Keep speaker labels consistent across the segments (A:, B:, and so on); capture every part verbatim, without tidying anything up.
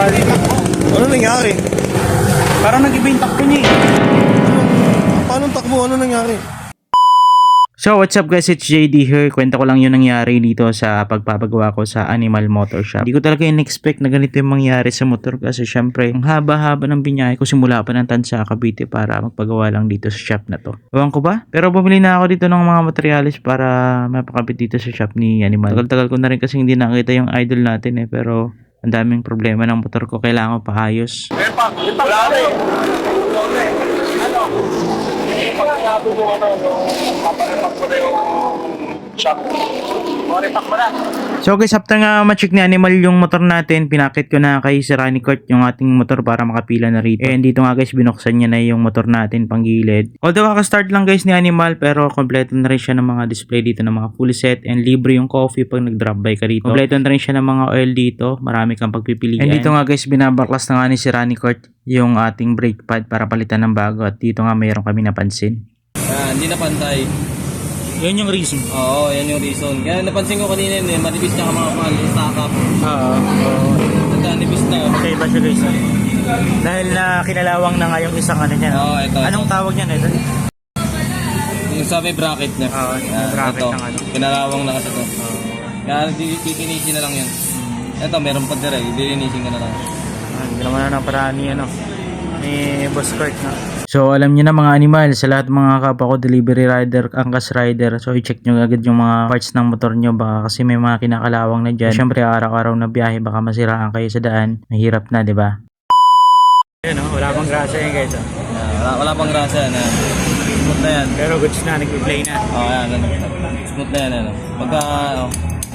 A: Bali takbo.
B: Ano nangyari?
A: Parang nag-iba yung takbo niya eh.
B: Paano takbo? Ano nangyari?
C: So what's up guys, it's J D here. Kwenta ko lang yung nangyari dito sa pagpapagawa ko sa Animal Motor Shop. Hindi ko talaga in-expect na ganito yung mangyari sa motor kasi syempre ang haba-haba ng binyahe ko simula pa ng Tansa, Cavite para magpagawa lang dito sa shop na to. Ewan ko ba? Pero bumili na ako dito ng mga materials para mapakabit dito sa shop ni Animal. Tagal-tagal ko na rin kasi hindi nakita yung idol natin eh, pero ang daming problema ng motor ko, kailangan ko paayos.
B: Eh pa, wala na eh. Ano? Pag sinabi mo ano, paparepak mo na yung shop. Paparepak mo na.
C: So guys, after nga ma-check ni Animal yung motor natin, pinakit ko na kay Sir Rani Kurt yung ating motor para makapila na rito. And dito nga guys, binuksan niya na yung motor natin pang gilid. Although kaka-start lang guys ni Animal, pero kompleto na rin siya ng mga display dito ng mga full set and libre yung coffee pag nag-drop by ka rito. Kompleto na rin siya ng mga oil dito, marami kang pagpipilian. And dito nga guys, binabaklas na nga ni Sir Rani Kurt yung ating brake pad para palitan ng bago at dito nga mayroon kami napansin.
A: Ah, hindi na pantay.
C: Yun yung reason.
A: Oo, yan yung reason. Kaya napansin ko kanina yun eh, manipis na ka mga pan, stack up.
C: Oo.
A: Nagka-nipis na.
C: Okay ba siya guys? Dahil na kinalawang na nga yung isang ano niya.
A: Oo, ito.
C: Anong tawag niya ito?
A: Yung sabi bracket niya.
C: Oo, yung bracket
A: ito,
C: ng ano.
A: Kinalawang na kasi ito. Kaya titinisin na lang yan. Ito, meron pa dire, dilinisin ka na lang.
C: Ah, hindi naman na paraan ni ano, ni Boss Kurt na. So alam niyo na mga animal, sa lahat mga kapwa ko delivery rider, angkas rider, so i-check nyo agad yung mga parts ng motor nyo baka kasi may mga kinakalawang na dyan. Siyempre araw-araw na biyahe baka masiraan kayo sa daan, mahirap na, di ba? Ayun oh, wala pang grasa yan guys oh.
A: Yeah, wala, wala pang grasa yan. Yan. Smooth na yan.
C: Pero goods na, nag-play na.
A: Oo, oh, yan. Ano. Smooth na yan. Ano. Pagka, ano.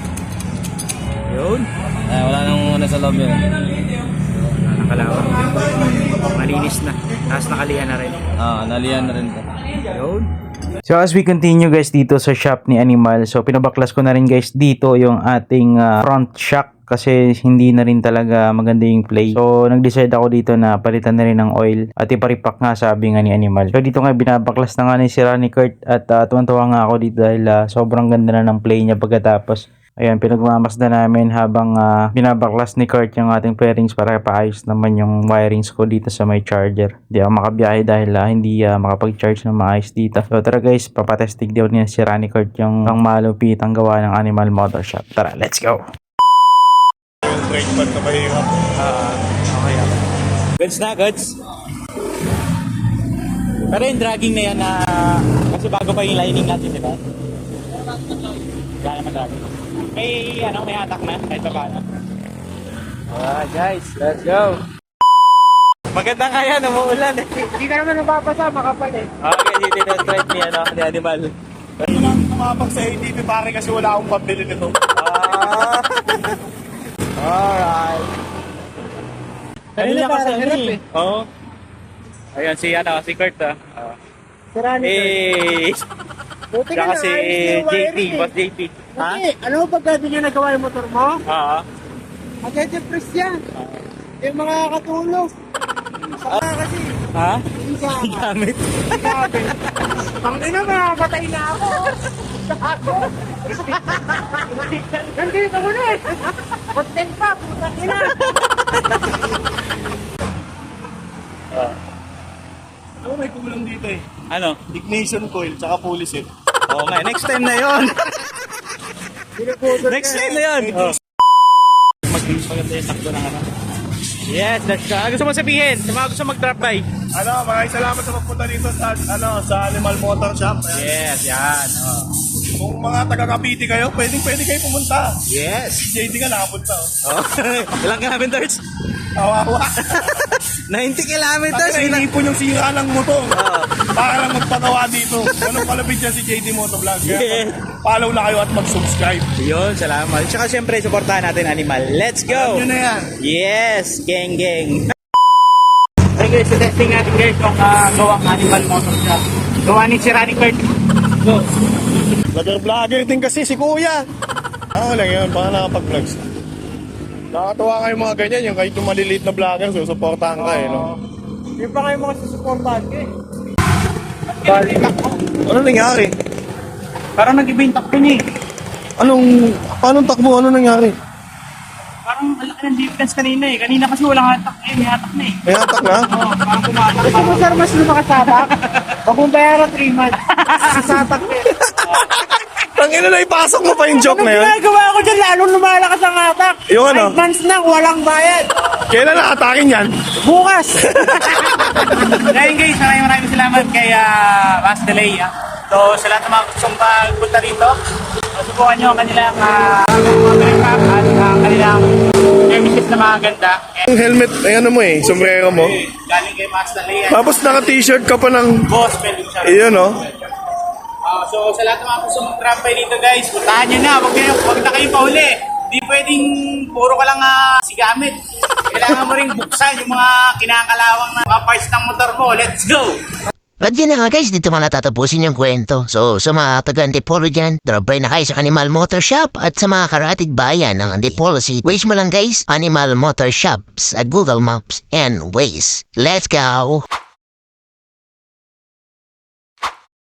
C: Yun.
A: Eh, wala nang ano sa loob yun.
C: Nakalawang. Malinis na. Tapos nakalihan na rin.
A: Ah, nalihan na rin ito.
C: Yun. So as we continue guys dito sa shop ni Animal, so pinabaklas ko na rin guys dito yung ating uh, front shock kasi hindi na rin talaga maganda yung play. So nag-decide ako dito na palitan na rin ng oil at iparipak nga sabi nga ni Animal. So dito nga binabaklas na nga ni si Rani Kurt at uh, tuwan-tuwa nga ako dito dahil uh, sobrang ganda na ng play niya pagkatapos. Ayan, pinagmamasda namin habang uh, binabaklas ni Kurt yung ating pairings para paayos naman yung wirings ko dito sa may charger. Hindi ako makabiyahe dahil uh, hindi uh, makapag-charge ng maayos dito. So tara guys, papatestig daw niya si Rani Kurt yung pang malupit ang gawa ng Animal Motor Shop. Tara, let's go!
B: Yung brake pad na mahirap.
C: Uh, okay, okay. Goods na, goods. Pero yung dragging na yan na uh, kasi bago pa yung lining natin, di ba? Wala naman dragging. May ano, may hatak na kahit pa paano. Alright guys, let's go. Maganda nga yan, umuulan eh.
D: Hindi ka naman nababasa, makapal eh.
C: Okay, dito na straight ni ano, ni Animal.
B: Ito lang tumapag sa A T V pare kasi wala akong pambili nito.
C: Ah. Alright.
D: Kanina
C: Kanina kasi
D: parang
C: ano
D: hirap
C: eh.
D: eh.
C: Oo. Ayan si ano, si Kurt ah. Uh,
D: Sarani ka.
C: eh,
D: Buti ka
C: saka
D: na,
C: si
D: ayos yung
C: J T,
D: wiring eh.
C: boss J T. Ha?
D: Buti, alam mo pagka di nyo nagawa yung motor mo?
C: Oo.
D: Magka-depress yan. Yung mga katulog. Saka kasi,
C: Ha?
D: hindi sa
C: Gamit.
D: Grabe. Pangina, mamamatay na ako. Ako. Nandito ko na eh. Content pa, putang ina.
B: Ano may kulang dito eh?
C: Ano?
B: Ignition coil tsaka pulley set.
C: Oo nga, next time na yon. Next time na yun. Oh. Mag-maganda yung takbo ng ano. Yes, that's ka. Ano gusto mo sabihin? Sa mga gusto mag-drop by?
B: Ano, maraming salamat sa pagpunta dito sa ano sa Animal Motor Shop. Ayan.
C: Yes, yan. Oh.
B: Kung mga taga-Cavite kayo, pwedeng pwede kayo pumunta.
C: Yes.
B: Si J D nga nakapunta oh.
C: Oh. Ilang kilometers?
B: Kawawa.
C: ninety kilometers.
B: Kasi naipon yung sira ng motor.
C: Oh.
B: Para lang magpagawa dito. Anong kalapit yan si J D Motovlog. Kaya
C: Yeah.
B: follow na kayo at mag-subscribe.
C: Yun, salamat. Tsaka siyempre, supportahan natin Animal. Let's go!
B: Yun na yan.
C: Yes, gang gang. Okay guys, so testing natin guys yung uh, gawang Animal Motor Shop. Gawa ni si Rani Kurt. Go!
B: Vlogger-vlogger din kasi si Kuya. Ako lang yun, baka nakapag-vlogs. Nakatuwa kayo mga ganyan, yung kahit yung maliliit na vlogger, susuportahan ka eh, no?
D: Hindi pa kayo mga susuportahan ko eh.
A: Bali
D: takbo.
B: Ano nangyari?
A: Parang nag-iba yung takbo niya eh.
B: Anong, paano takbo? Ano nangyari?
A: Parang
E: ang laki ng difference kanina eh. Kanina kasi walang hatak eh, may hatak na eh.
B: May hatak na?
E: Oo, parang kumatak.
D: Gusto mo sir, mas lumakasatak? Huwag mong bayaran three months. Sasatak eh.
B: Tangina na, ipasok mo pa yung joke na yun.
D: Ginagawa ko dyan, lalong lumalakas ang hatak.
B: Yung ano?
D: Five months na, walang bayad.
B: Kailan nakatakin yan?
D: Bukas.
E: Ngayon guys, maraming maraming salamat kay uh, Bas Delay. Ah. So sa lahat ng mga gustong magpunta dito, so, subukan nyo ang kanilang uh, mga pack at ang kanilang services na mga ganda. And,
B: Yung helmet, ay ano mo eh, sombrero mo.
E: galing kay Bas Delay.
B: Tapos naka-t-shirt ka pa ng...
E: Gospel yung siya.
B: Iyon oh.
E: Ah, so sa lahat ng mga gusto mag-trampay dito guys, puntahan nyo na, wag, kayo, wag na kayong pauli. Hindi pwedeng puro ka lang uh, sigamit. Kailangan mo rin buksan yung mga kinakalawang na mga parts ng motor mo. Let's go!
F: At yun na nga guys, dito mo natatapusin yung kwento. So sa mga taga Antipolo dyan, drop by na kayo sa Animal Motor Shop. At sa mga karatig bayan ng Antipolo City, Waze mo lang guys, Animal Motor Shops at Google Maps and Waze. Let's go!